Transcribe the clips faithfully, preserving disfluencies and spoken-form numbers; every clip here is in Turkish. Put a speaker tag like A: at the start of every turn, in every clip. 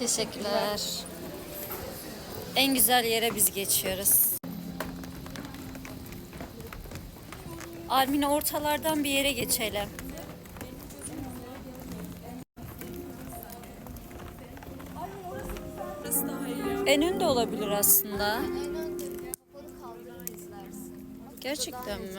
A: Teşekkürler. En güzel yere biz geçiyoruz. Armine ortalardan bir yere geçelim. En önde olabilir aslında. Gerçekten mi?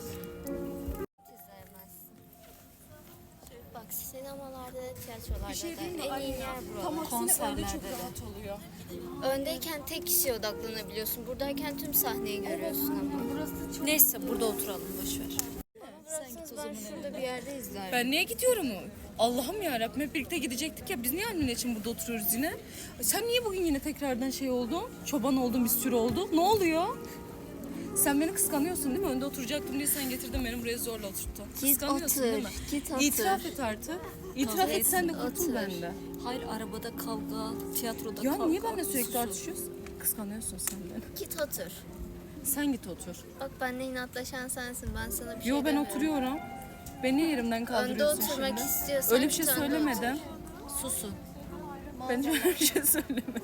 B: Bak sinemalarda, tiyatrolarda
C: Bir şey
B: da
C: değil mi?
B: en iyi yer
C: Tam
B: buralar.
C: aksine önde çok rahat oluyor.
B: Öndeyken tek kişiye odaklanabiliyorsun. Buradayken tüm sahneyi görüyorsun ama.
C: Burası çok...
A: Neyse burada oturalım, boşver.
B: Burası ben şurada bir yerde izlerim.
C: Ben niye gidiyorum? Allah'ım yarabbim, hep birlikte gidecektik ya. Biz niye Almine için burada oturuyoruz yine? Sen niye bugün yine tekrardan şey oldun? Çoban oldun, bir sürü oldu. Ne oluyor? Sen beni kıskanıyorsun değil mi? Önde oturacaktım diye sen getirdin beni buraya zorla oturttun.
B: Git
C: Kıskanıyorsun
B: otur,
C: değil mi?
B: git otur.
C: İtiraf et artık. İtiraf et, sen de kurtul
B: otur.
C: benden.
A: Hayır, arabada kavga, tiyatroda
C: Ya
A: kavga.
C: niye benimle sürekli
A: sus.
C: tartışıyorsun? Kıskanıyorsun sen beni.
B: Git otur.
C: Sen git otur.
B: Bak benimle inatlaşan sensin. Ben sana bir şey
C: Yo ben
B: demiyorum.
C: oturuyorum. Beni niye yerimden
B: Önde
C: kaldırıyorsun
B: oturmak
C: şimdi?
B: istiyorsan
C: Öyle bir şey
B: git önde
C: söylemedim.
A: Susun.
C: Ben hiç öyle bir şey söylemedim.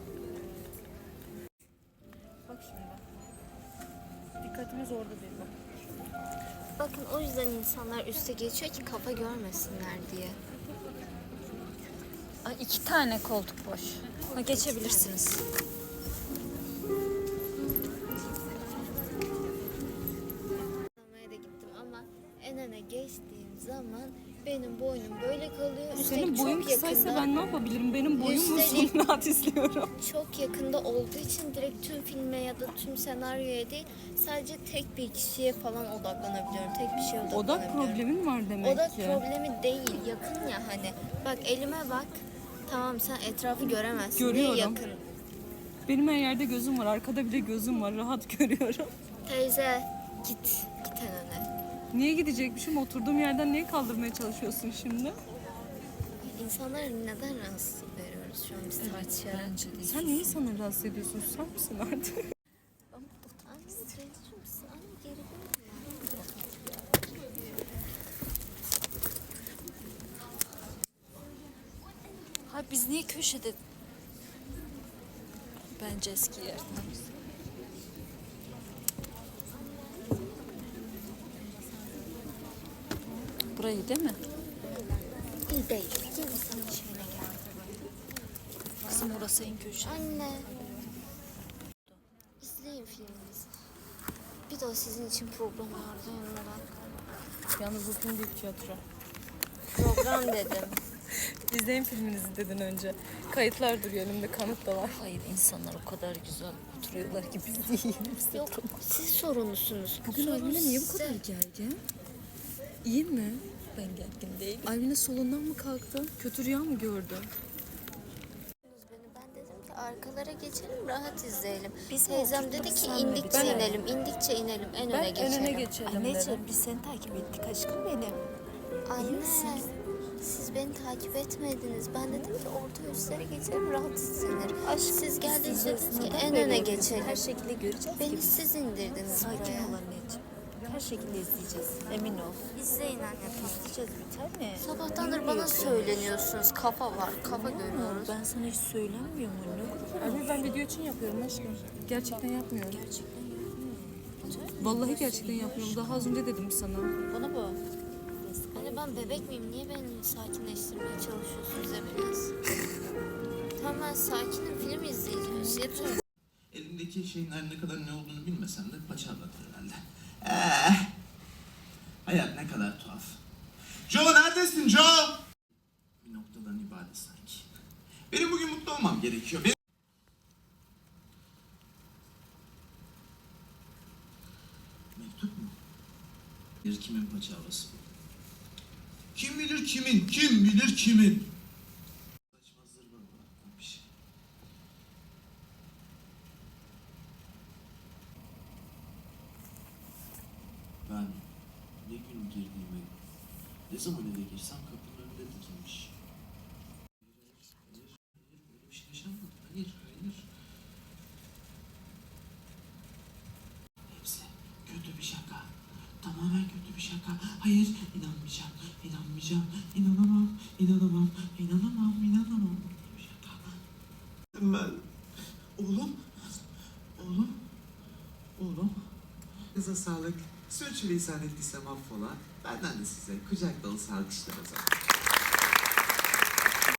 C: Bak şimdi. Dikkatimiz orada değil bak.
B: Bakın o yüzden insanlar üste geçiyor ki kafa görmesinler diye.
A: Ay, iki tane koltuk boş. Ha, geçebilirsiniz.
B: Sinemaya da gittim ama en öne geçtiğim zaman benim boynum böyle kalıyor. Üstelik
C: Senin boyun
B: çok
C: kısaysa
B: yakında,
C: ben ne yapabilirim? Benim boyum
B: Üstelik-
C: uzun, rahat izliyorum.
B: çok yakında olduğu için direkt tüm filme ya da tüm senaryoya değil, sadece tek bir kişiye falan odaklanabiliyorum. Tek bir şeye
C: Odak
B: odaklanabiliyorum.
C: problemin var demek
B: Odak
C: ki.
B: problemi değil, yakın ya hani. Bak elime bak. Tamam sen etrafı göremezsin.
C: Görüyorum.
B: Niye yakın?
C: Benim her yerde gözüm var. Arkada bile gözüm var. Rahat görüyorum.
B: Teyze git. Git en öne.
C: Niye gidecekmişim? Oturduğum yerden niye kaldırmaya çalışıyorsun şimdi?
B: İnsanlara neden rahatsızlık veriyoruz şu an biz tartışarak?
A: Bence değil.
C: Sen niye insanları rahatsız ediyorsun? Susar mısın artık?
B: Anne teyzeciğim misin? Anne geri dönme.
A: Ha, biz niye köşede? Bence eski yer. Burayı değil mi?
B: İyi değil. Gel sana şöyle gel.
A: Kızım orası en köşe.
B: Anne. İzleyin filmimizi. Bir de o sizin için program vardı ondan.
C: Yalnız bu film değil, tiyatro.
B: Program dedim.
C: İzleyin filminizi dedin önce. Kayıtlar duruyor elimde, kanıt da var.
A: Hayır, insanlar o kadar güzel oturuyorlar ki biz değil. Biz de
B: Yok siz sorumlusunuz.
C: Bugün
B: Sorun
C: Almine niye bu
B: size.
C: kadar gergin? İyi mi?
A: Ben gergin değilim.
C: Almine solundan mı kalktın? Kötü rüya mı gördün?
B: Beni ben dedim ki arkalara geçelim rahat izleyelim.
A: Biz mi
B: Teyzem
A: oturduk,
B: dedi ki
A: sen mi
B: indikçe
A: bitirdin?
B: inelim, indikçe inelim, en
C: Ben
B: öne geçelim.
C: önüne geçelim dedim.
A: Anneciğim, biz seni takip ettik aşkım benim.
B: Anne, siz beni takip etmediniz. Ben dedim ki orta üstlere geçelim rahat izlenir. Siz geldiniz dediniz ki en öne geçelim.
A: Her şekilde göreceğiz
B: Beni
A: ki biz.
B: siz indirdiniz
A: Sakin
B: buraya.
A: ol anneciğim. Her şekilde izleyeceğiz. Emin ol.
B: İzleyin anne.
A: İzleyeceğiz bir tane.
B: Sabahtandır
A: Niye
B: bana
A: yapıyorsun?
B: söyleniyorsunuz. Kafa var, kafa görüyoruz.
A: Ben sana hiç söylemiyor mu? Ne kadar?
C: Abi ben video için yapıyorum aşkım. Gerçekten yapmıyorum.
A: Gerçekten yapmıyor.
C: Vallahi gerçekten yapmıyorum. Daha az önce dedim sana.
A: Bana bak.
B: Anne ben bebek miyim? Niye beni sakinleştirmeye çalışıyorsunuz hepiniz? Tamam ben sakinim. Film izleyeceğiz. Yeter.
D: Elindeki şeyin her ne kadar ne olduğunu bilmesen de paça anlatır herhalde. Eh, hayat ne kadar tuhaf. Joe neredesin Joe? Bir noktadan ibaret sanki. Benim bugün mutlu olmam gerekiyor. Benim... Mektup mu? Bir kimin paçavrası? Kim bilir kimin, kim bilir kimin? Saçma zırva bıraktım bir şey. Ben ne gün girdiğimi, ne zaman eve girsem kapının önünde dikilmiş. Hayır, hayır, hayır, böyle bir şey yaşanmadı. Hayır, hayır. Hepsi kötü bir şaka. Tamamen kötü bir şaka. Hayır, inanmayacağım, inanmayacağım, inanamam, inanamam, inanamam, inanamam. Kötü bir şaka. Tamam. Kıza sağlık. Sürçülisan ettiysem affola. Benden de size kucak dolusu alkışlar o zaman.